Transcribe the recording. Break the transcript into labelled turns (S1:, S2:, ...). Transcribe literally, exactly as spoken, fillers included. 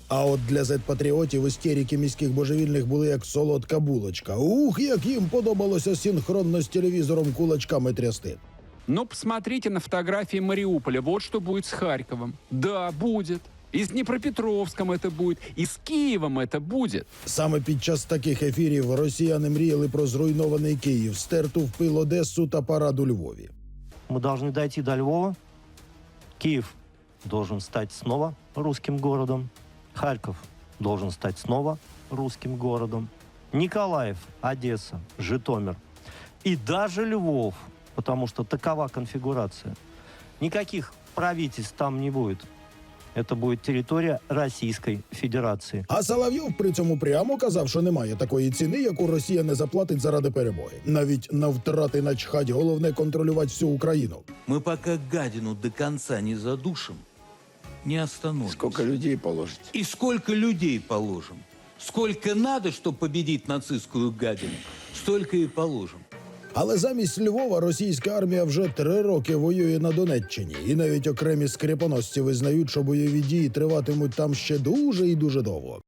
S1: А от для зет-патріотів істерики міських божевільних були як солодка булочка. Ух, як їм подобалося синхронно з телевізором кулачками трясти.
S2: Но посмотрите на фотографии Мариуполя. Вот что будет с Харьковом. Да, будет. И с Днепропетровском это будет, и с Киевом это будет.
S1: Саме під час таких ефірів росіяни мріяли про зруйнований Київ, стерту в пил Одесу та парад у Львові.
S3: Мы должны дойти до Львова. Киев должен стать снова русским городом. Харьков должен стать снова русским городом. Николаев, Одесса, Житомир и даже Львов, потому что такова конфигурация. Никаких правительств там не будет. Это будет территория Российской Федерации.
S1: А Соловйов при цьому прямо казав, що немає такої ціни, яку Росія не заплатить заради перемоги. Навіть на втрати начхать, головне контролювати всю Україну.
S4: Мы пока гадину до конца не задушим, не остановимся.
S5: Сколько людей положите?
S4: И сколько людей положим? Сколько надо, чтобы победить нацистскую гадину, столько и положим.
S1: Але замість Львова російська армія вже три роки воює на Донеччині. І навіть окремі скріпоносці визнають, що бойові дії триватимуть там ще дуже і дуже довго.